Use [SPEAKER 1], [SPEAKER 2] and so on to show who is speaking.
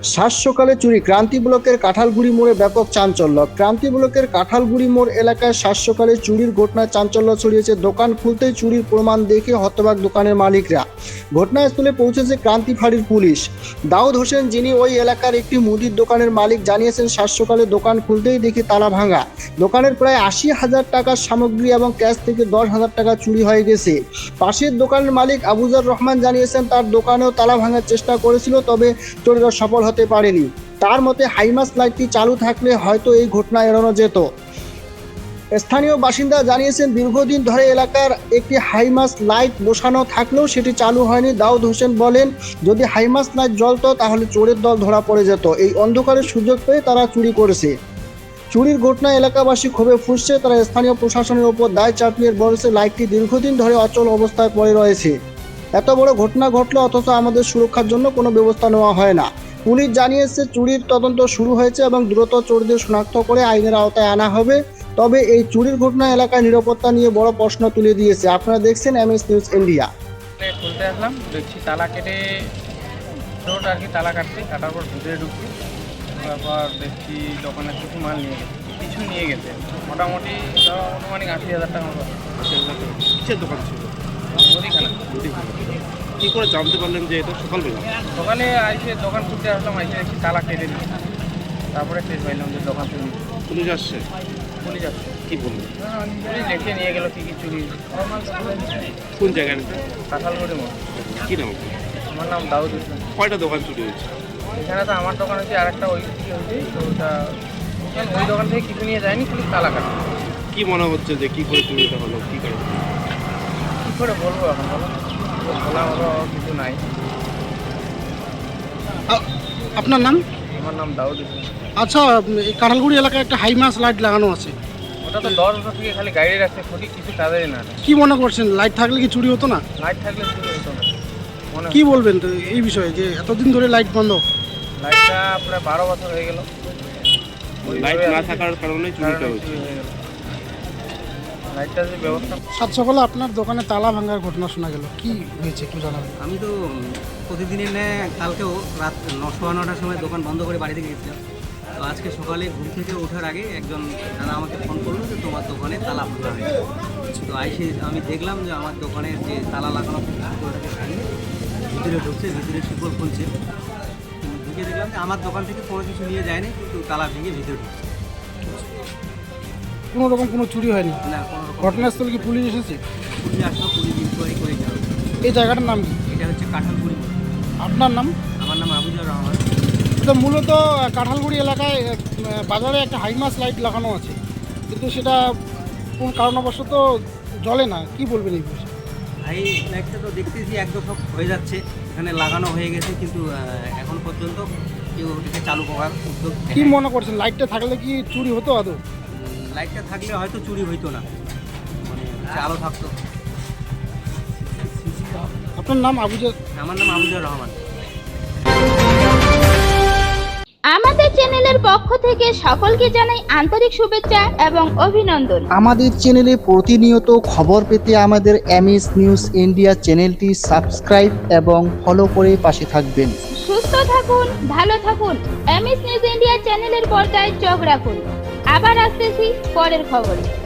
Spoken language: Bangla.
[SPEAKER 1] সাত সকালে চুরি, ক্রান্তি ব্লকের কাঁঠালগুড়ি মোড়ে ব্যাপক চাঞ্চল্য। ক্রান্তি ব্লকের কাঁঠালগুড়ি মোড় এলাকায় সাত সকালে চুরির ঘটনায় চাঞ্চল্য ছড়িয়েছে। দোকান খুলতেই চুরির প্রমাণ দেখে হতবাক দোকানের মালিকরা। ঘটনাস্থলে পৌঁছেছে ক্রান্তি ফাঁড়ির পুলিশ। দাউদ হোসেন, যিনি ওই এলাকার একটি মুদির দোকানের মালিক, জানিয়েছেন সাত সকালে দোকান খুলতেই দেখি তালা ভাঙা। দোকানের প্রায় ৮০,০০০ টাকার সামগ্রী এবং ক্যাশ থেকে ১০,০০০ টাকা চুরি হয়ে গেছে। পাশের দোকানের মালিক আবুজার রহমান জানিয়েছেন তার দোকানেও তালা ভাঙার চেষ্টা করেছিল, তবে চোরেরা সফল হতে পারেনি। তার মতে হাইমাস লাইটটি চালু থাকলে হয়তো এই ঘটনা এড়ানো যেত। স্থানীয় বাসিন্দা জানিয়েছেন দীর্ঘদিন ধরে এলাকার একটি হাইমাস লাইট বসানো থাকলেও সেটি চালু হয়নি। দাউদ হোসেন বলেন, যদি হাইমাস লাইট জ্বলতো তাহলে চোরের দল ধরা পড়ে যেত। এই অন্ধকারের সুযোগ পেয়ে তারা চুরি করেছে। চুরির ঘটনায় এলাকাবাসী ক্ষোভে ফুঁসছে। তারা স্থানীয় প্রশাসনের উপর দায় চাপিয়ে বলেছে লাইটটি দীর্ঘদিন ধরে অচল অবস্থায় পড়ে রয়েছে। এত বড় ঘটনা ঘটলো অথচ আমাদের সুরক্ষার জন্য কোনো ব্যবস্থা নেওয়া হয় না। পুলিশ জানিয়েছে চুরির তদন্ত শুরু হয়েছে এবং দ্রুত চোরদের শনাক্ত করে আইনের আওতায় আনা হবে। তবে এই চুরির ঘটনা এলাকায় নিরাপত্তা নিয়ে বড় প্রশ্ন তুলে দিয়েছে। আপনারা দেখছেন MS নিউজ ইন্ডিয়া।
[SPEAKER 2] খুলতে আসলাম, দেখছি তালা কেটে চোট আর কি, তালা কাটার পর ভিতরে ঢুকছি। তারপর দেখছি দোকানের কিছু নিয়ে গেছে মোটামুটি আনুমানিক ৮০,০০০ টাকা মতো।
[SPEAKER 3] কিসের দোকান ছিল?
[SPEAKER 2] মুদিখানা।
[SPEAKER 3] কি করে জানতে পারলেন যে এটা সকালবেলা?
[SPEAKER 2] সকালে আইসে দোকান খুলতে আসলাম, আইসে দেখছি তালা কেটে দিই। তারপরে টের পাইলাম যে দোকান চুরি।
[SPEAKER 3] পুলিশ আসছে?
[SPEAKER 2] পুলিশ আসছে।
[SPEAKER 3] কি বললো?
[SPEAKER 2] পুলিশ দেখে নিয়ে গেল কী কী চুরি।
[SPEAKER 3] কোন জায়গায়?
[SPEAKER 2] কাঁঠালগুড়ি মোড়।
[SPEAKER 3] কি নাম?
[SPEAKER 2] আমার নাম দাউদ হোসেন।
[SPEAKER 3] কয়টা দোকান চুরি হয়েছে?
[SPEAKER 2] এখানে তো আমার দোকান হচ্ছে, আরেকটা ওই দিকে হয়েছে। তো ওটা ওই দোকান থেকে কিছু নিয়ে যায়নি, পুলিশ তালা কাটে।
[SPEAKER 3] কি মনে হচ্ছে যে কি করে চুরিটা হলো, কি করে?
[SPEAKER 2] কী করে বলবো এখন, বলো? বলা হলো কিছু নাই।
[SPEAKER 4] আপনার নাম?
[SPEAKER 2] আমার নাম দাউদ হোসেন।
[SPEAKER 4] আচ্ছা, এই কাঁঠালগুড়ি এলাকায় একটা হাইমাস লাইট লাগানো আছে।
[SPEAKER 2] ওটা তো 10 বছর থেকে খালি গাড়ি রাখছে, ক্ষতি কিছু কাজেরই না।
[SPEAKER 4] কি মনে করছেন, লাইট থাকলে কি চুরি হতো না?
[SPEAKER 2] লাইট থাকলে চুরি হতো না মনে
[SPEAKER 4] কি বলবেন তো এই বিষয়ে, যে এতদিন ধরে লাইট বন্ধ?
[SPEAKER 2] লাইটটা প্রায় 12 বছর হয়ে গেল।
[SPEAKER 3] লাইট না থাকার কারণে চুরিটা হয়েছে।
[SPEAKER 2] লাইটটা যে ব্যবস্থা।
[SPEAKER 4] সাত সকালে আপনার দোকানে তালা ভাঙার ঘটনা শোনা গেল, কি হয়েছে একটু জানাবেন?
[SPEAKER 5] আমি তো প্রতিদিনের ন্যায় কালকেও রাত 9:15টার সময় দোকান বন্ধ করে বাড়ি থেকে গেছিলাম। তো আজকে সকালে ঘুম থেকে ওঠার আগে একজন দাদা আমাকে ফোন করলো যে তোমার দোকানে তালা ভাঙা হয়েছে। তো আইসে আমি দেখলাম যে আমার দোকানের যে তালা লাগানো ওটাকে ভাঙে ভিতরে ঢুকছে, ভিতরে শিকল খুলছে। ঢুকে দেখলাম যে আমার দোকান থেকে কোনো কিছু নিয়ে যায়নি, কিন্তু তালা ভেঙে ভিতরে ঢুকছে।
[SPEAKER 4] কোনো রকম কোনো চুরি হয়নি?
[SPEAKER 5] না, কোনো রকম।
[SPEAKER 4] ঘটনাস্থলে কি পুলিশ এসেছে?
[SPEAKER 5] পুলিশ আসলো, পুলিশ ইনকোয়ারি করে গেল।
[SPEAKER 4] এই জায়গাটার নাম কি?
[SPEAKER 5] এটা হচ্ছে কাঁঠালগুড়ি।
[SPEAKER 4] আপনার নাম?
[SPEAKER 5] আমার নাম আবুজার রহমান।
[SPEAKER 4] তো মূলত কাঁঠালগুড়ি এলাকায় বাজারে একটা হাইমাস লাইট লাগানো আছে, কিন্তু সেটা কোন কারণবশত জ্বলে না। কি বলবেন এই বিষয়ে?
[SPEAKER 5] ভাই, লাইটটা তো দেখতেছি একদম সব হয়ে যাচ্ছে, এখানে লাগানো হয়ে গেছে, কিন্তু এখন পর্যন্ত কেউ এটাকে চালু করার উদ্যোগ
[SPEAKER 4] কি
[SPEAKER 5] নেয়নি।
[SPEAKER 4] মনে করছেন, লাইটটা থাকলে কি চুরি হতো আদৌ?
[SPEAKER 5] লাইটটা থাকলে হয়তো চুরি হইতো না, মানে আলো থাকতো।
[SPEAKER 4] আপনার নাম? আবুজার?
[SPEAKER 5] আমার নাম আবুজার রহমান।
[SPEAKER 6] আমাদের চ্যানেলের পক্ষ থেকে সকলকে জানাই আন্তরিক শুভেচ্ছা এবং অভিনন্দন।
[SPEAKER 1] আমাদের চ্যানেলে প্রতিনিয়ত খবর পেতে আমাদের MS নিউজ ইন্ডিয়া চ্যানেলটি সাবস্ক্রাইব এবং ফলো করে পাশে থাকবেন।
[SPEAKER 6] সুস্থ থাকুন, ভালো থাকুন। MS নিউজ ইন্ডিয়া চ্যানেলের পর্দায় চোখ রাখুন। আবার আসতেছি পরের খবরে।